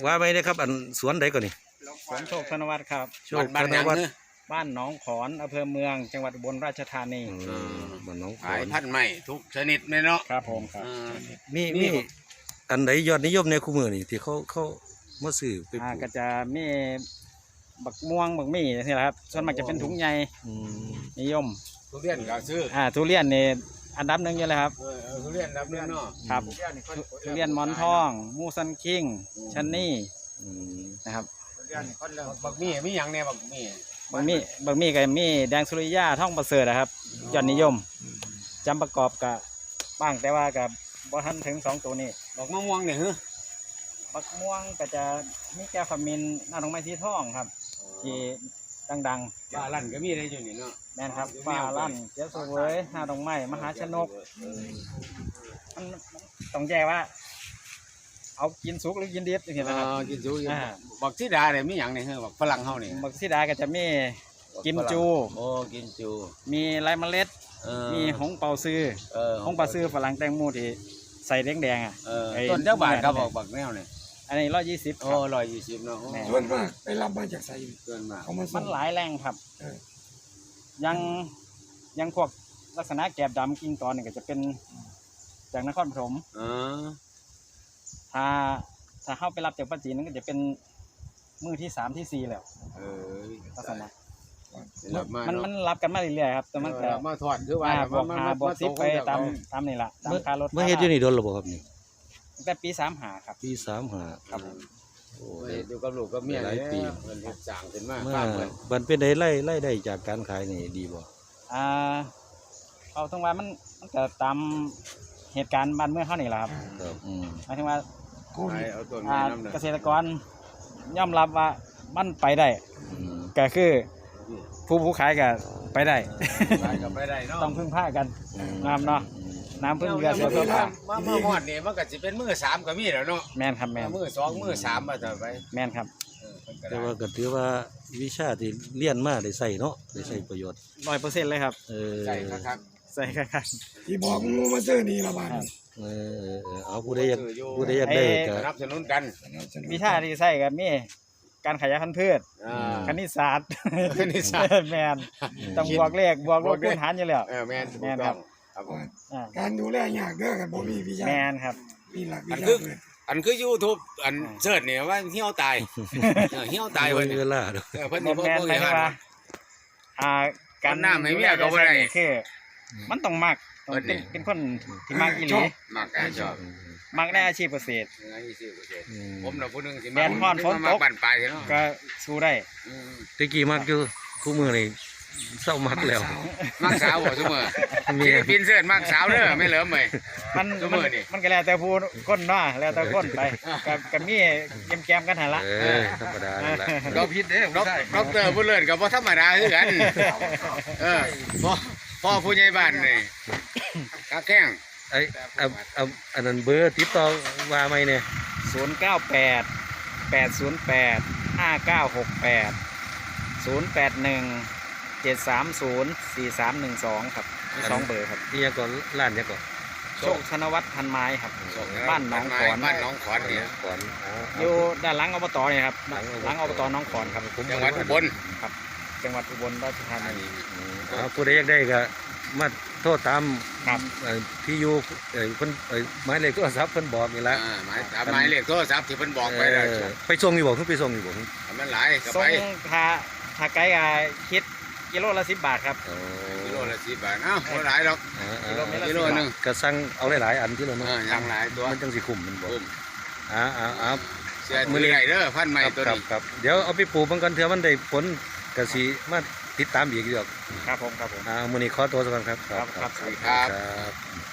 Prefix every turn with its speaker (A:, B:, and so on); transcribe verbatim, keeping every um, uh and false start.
A: ว่าไม่ได้ครับอันสวนใดก่อนนี่
B: สวนโชคธนวัฒน์ครับ
A: โชคธนวัฒน์
B: บ้านหนองขอนอำเภอเมืองจังหวัดอุบลราชธานี
A: บ้านหนองขอ
C: ขาย
A: น
C: พันธุ์ใหม่ทุกชนิดเลยเนาะ
B: ครับผมครับ
A: มีมีอันไหนยอดนิยมในคู่มือนี่ที่เขาเขามาซื้อไปป
B: อ่า
A: ลูก
B: ก็จะมีบักม่วงบักมี่นี่แหละครับส่วนมากจะเป็นถุงใหญ่นิยม
C: ทุเรียนก็ซื้อ
B: อ่าทุเรียนนี่อันดับหนึ่งอยู่เลยครับ
C: เออทุเรียนรับเรื่องเนาะ
B: ครับทุเรียนหมอนทองมูซันคิงชันนี่นะครับ
C: บักมี่มีอย่างเนี่ยบักมี่
B: บางมีบางมีกับมีแดงสุริยาท่องประเสริฐนะครับยอดนิยมจำประกอบกับบ้างแต่ว่ากับบ่ทันถึงสองตัวนี้
C: บักมะม่วงเนี่ยเหรอ
B: บักม่วงก็จะมีแก้วขมิ้นหน้าดอกไม้สีทองครับที่ดังๆ
C: ปลาลั่นก็มีได้อยู่นี่เนาะ
B: แม่นครับปลาลั่นเจ้าสวยหน้าดอกไม้มหาชนกมันต้องแยกว่า เอากินสุกหรือกินดิบอย่างเงี้ยนะครับ
C: กินสุกบักซีดาเนี่ยมีอย่างเนี่ยเหรอบักฝรั่งเฮาเนี่ย
B: บักซีดาก็จะมีกิมจู
C: โอ้กิมจู
B: มีไรเมล็ดมีหงเปาซื้อหงเปาซื้อฝรั่งแตงโมที่ใส่แดงๆอ่ะ
C: ต้นเจ้าบาทครับบอกบักแนวเนี่ย
B: อันนี้ร้อยยี่สิบ
C: โอ้ร้อยยี่สิบเนาะ
D: ส่วนมากไปรับมาจากไส
C: ส่วนมาก
B: มันหลายแรงครับยังยังพวกลักษณะแกบดำกิ่งตอนนี่ก็จะเป็นจากนครปฐมถ้าถ้าเข้าไปรับจากปัจจีนนั่นก็จะเป็นมือที่สามที่สี่แล้วลักษณะมันมันรับกันมาเรื่อยๆครับแต่มันก็
C: มาถอดคือว่า
B: บวกหาบวกสิบไปตามตามนี่แหละตามค่ารถ
A: เมื่อเฮ็ดอยู่นี่โดนหรือเปล่าครับนี่
B: แต่ปีสามหาครับ
A: ปีสามหา
B: ครับ
C: โอ้ยดูกับลูกกับเมียหลายปีมันเฮ็ดสร้างขึ้นมา
A: เมื่อมันเป็นได้ไล่ไล่ได้จากการขายนี่ดีบ่
B: อ่าเอาตรงว่ามันมันก็ตามเหตุการณ์บ้านเมืองเขานี่แหละครับ
A: ครับอืม
B: หมายถึงว่าเกษตรกรยอมรับว่ามันไปได้ก็คือผู้ผู้ขายก็ไปได้ต้องพึ่งผ้ากันน้ำเนาะน้ำพึ่งเรือเสือเพื่อผ้า
C: มาเมื่อวานนี่มันก็จะเป็นมือสามก็มีแล้วเนาะ
B: แม่นครับแม่น
C: มือสองมือสามมาต่อไป
B: แม่นครับ
A: แต่ว่าก็ถือว่าวิชาที่เรียนมาได้ใส่เนาะได้ใส่ประโยชน์
B: ร้อยเปอร์เซ็นต์เลยครับ
C: ใส่ครับ
B: ใส่ครับ
D: ที่บอกงูมาซื้อนี่ละบาท
A: เออเอาผู้ใดอยากผู้ใดอยากได้ก็
C: สนับสนุนกัน
B: วิชาที่ใส่กับมีการขยายพันธุ์พืชคณิตศาสตร์
C: คณิตศาสตร์
B: แมนต้องบวกเลขบวกลบคูณหารอยู่แล้ว
C: แมน
B: แมนครับ
D: การดูแลยากเด้อกันบ่มีวิชา
B: แมนครับ
D: มีหลักวิชาเลย
C: อันคือยูทูบอันเสิร์ชเนี่ยว่าเหี้ยวตายเหี้ยวตาย
A: วันเวลา
B: เพิ่นนี่เพิ่นบ่ว่าอ่าการ
C: น้ำให้เมียก็บ่ได้
B: คือมันต้องมักต้องเป็นเป็นคนที่มักอีหลี
C: มักอ่ะชอบ
B: มักในอาชีพเกษตร
C: ผมน่ะผู้นึงสิ
B: แม่นฮ้อนฝนตก
C: ปั่นไปเนาะ
B: ก็สู้ได้
A: ตะกี้มักอยู่คู่มือนี่เศร้ามักแล้ว
C: มักสาวบ่ซุมื้อมีฟินเสิร์ชมักสาวเด้อไม่เหลิมเว้ย
B: มันมันก็แล้วแต่ผู้คนเนาะแล้วแต่คนไปกับกับมีแกมๆกันหั่นละ
A: เออธรรมดานั่นล่ะ
C: ดอกผิดเด้อดอกเตอร์ผู้เลิศก็บ่ธรรมดาคือกันเออพ่อพ่อผู้ใหญ่บ้านนี่กะแข้ง
A: ไอ้อันนั้นเบอร์ติดต่อว่าไหมเนี่ย
B: ศูนย์เก้าแปด แปดศูนย์แปด ห้าเก้าหกแปด ศูนย์แปดหนึ่ง เจ็ดสามศูนย์ สี่สามหนึ่งสองครับมีสองเบอร์ครับ
A: นี่ยังก่อนร้านยังก่อน
B: โชคธนวัฒน์พันไม้ครับบ้านหนองขอน
C: บ้านหนองขอนเนี่ย
A: ขอน
B: อยู่ด้านหลังอบตเนี่ยครับหลังอบตหนองขอนครับ
C: จังหวัดอุบล
B: ครับจังหวัดอุบลราชธานี
A: ผู้ใดอยากได้ก็มาโทษตาม
B: ครับ
A: ที่อยู่เพิ่นหมายเลขโทรศัพท์เพิ่นบอกนี่แหละ
C: หมายหมายเลขโทรศัพท์ที่เพิ่นบอกไปแล้ว
A: ไปส่งอยู่บ่เพิ่นไปส่งอยู่บ่
C: มันหลายก็
B: ไป
C: ส่ง
B: ถ้าถ้าไกลก็คิดกิโลละสิบบาทครับ
C: กิโลละสิบบาทเอ้าบ่หลายหรอกกิโลนึง
A: ก็สั่งเอาหลายๆอันที่เราเนาะ
C: อย่างหลายตัว
A: มันจังสิคุ้มมันบ่อ่าๆ
C: เสียมือไหนเด้อพันใหม่ตัวนี้
A: ครับเดี๋ยวเอาไปปลูกมันกันเถอะมันได้ผลก็สิมาติดตามอีกอยู่
B: ครับผมครับผม
A: อ่ามื้อนี้ขอตัวสักก่อนครับ
B: ครับครับ
C: สวัสดีครับ